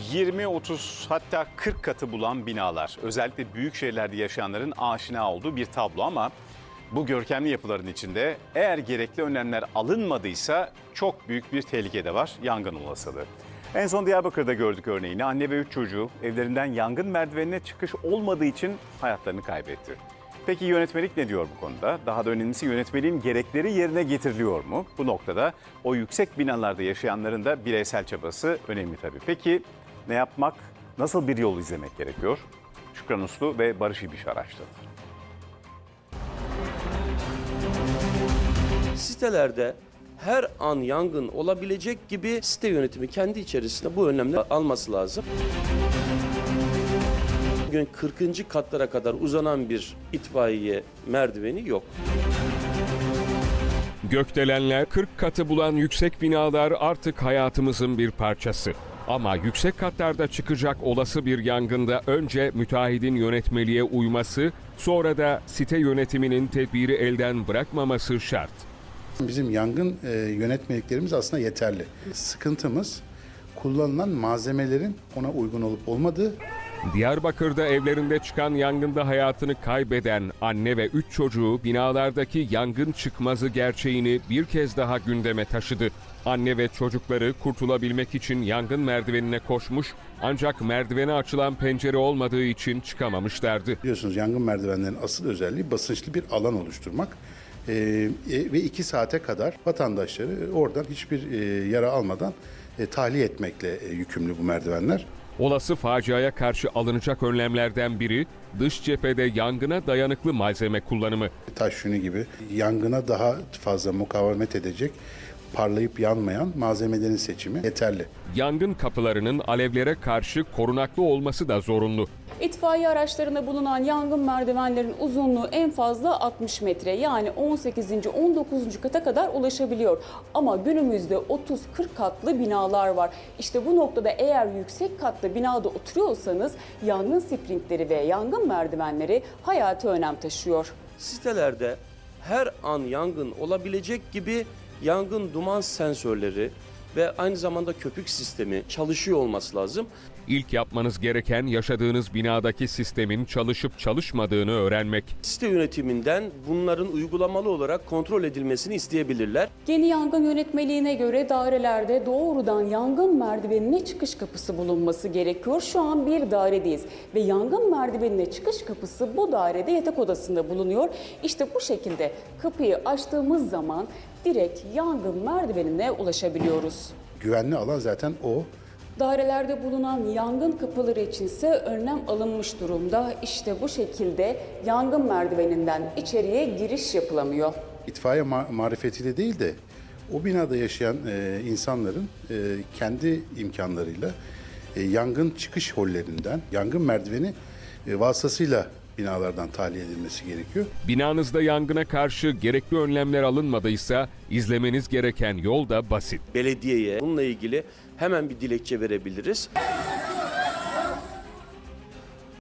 20, 30 hatta 40 katı bulan binalar. Özellikle büyük şehirlerde yaşayanların aşina olduğu bir tablo ama bu görkemli yapıların içinde eğer gerekli önlemler alınmadıysa çok büyük bir tehlike de var, yangın olasılığı. En son Diyarbakır'da gördük örneğini. Anne ve 3 çocuğu evlerinden yangın merdivenine çıkış olmadığı için hayatlarını kaybetti. Peki yönetmelik ne diyor bu konuda? Daha da önemlisi yönetmeliğin gerekleri yerine getiriliyor mu? Bu noktada o yüksek binalarda yaşayanların da bireysel çabası önemli tabii. Peki ne yapmak, nasıl bir yol izlemek gerekiyor? Şükran Uslu ve Barış İbiş araştırdı. Sitelerde her an yangın olabilecek gibi site yönetimi kendi içerisinde bu önlemleri alması lazım. Bugün 40. katlara kadar uzanan bir itfaiye merdiveni yok. Gökdelenler, 40 katı bulan yüksek binalar artık hayatımızın bir parçası. Ama yüksek katlarda çıkacak olası bir yangında önce müteahhidin yönetmeliğe uyması, sonra da site yönetiminin tedbiri elden bırakmaması şart. Bizim yangın yönetmeliklerimiz aslında yeterli. Sıkıntımız kullanılan malzemelerin ona uygun olup olmadığı. Diyarbakır'da evlerinde çıkan yangında hayatını kaybeden anne ve 3 çocuğu binalardaki yangın çıkmazı gerçeğini bir kez daha gündeme taşıdı. Anne ve çocukları kurtulabilmek için yangın merdivenine koşmuş ancak merdivene açılan pencere olmadığı için çıkamamışlardı. Biliyorsunuz yangın merdivenlerinin asıl özelliği basınçlı bir alan oluşturmak. Ve 2 saate kadar vatandaşları oradan hiçbir yara almadan tahliye etmekle yükümlü bu merdivenler. Olası faciaya karşı alınacak önlemlerden biri dış cephede yangına dayanıklı malzeme kullanımı. Taş yünü gibi yangına daha fazla mukavemet edecek, parlayıp yanmayan malzemelerin seçimi yeterli. Yangın kapılarının alevlere karşı korunaklı olması da zorunlu. İtfaiye araçlarında bulunan yangın merdivenlerin uzunluğu en fazla 60 metre yani 18. 19. kata kadar ulaşabiliyor. Ama günümüzde 30-40 katlı binalar var. İşte bu noktada eğer yüksek katlı binada oturuyorsanız yangın sprinkleri ve yangın merdivenleri hayati önem taşıyor. Sitelerde her an yangın olabilecek gibi yangın duman sensörleri ve aynı zamanda köpük sistemi çalışıyor olması lazım. İlk yapmanız gereken yaşadığınız binadaki sistemin çalışıp çalışmadığını öğrenmek. Site yönetiminden bunların uygulamalı olarak kontrol edilmesini isteyebilirler. Yeni yangın yönetmeliğine göre dairelerde doğrudan yangın merdivenine çıkış kapısı bulunması gerekiyor. Şu an bir dairedeyiz ve yangın merdivenine çıkış kapısı bu dairede yatak odasında bulunuyor. İşte bu şekilde kapıyı açtığımız zaman direkt yangın merdivenine ulaşabiliyoruz. Güvenli alan zaten o. Dairelerde bulunan yangın kapıları içinse önlem alınmış durumda. İşte bu şekilde yangın merdiveninden içeriye giriş yapılamıyor. İtfaiye marifetiyle değil de o binada yaşayan insanların kendi imkanlarıyla yangın çıkış hollerinden, yangın merdiveni vasıtasıyla binalardan tahliye edilmesi gerekiyor. Binanızda yangına karşı gerekli önlemler alınmadıysa izlemeniz gereken yol da basit. Belediyeye bununla ilgili hemen bir dilekçe verebiliriz.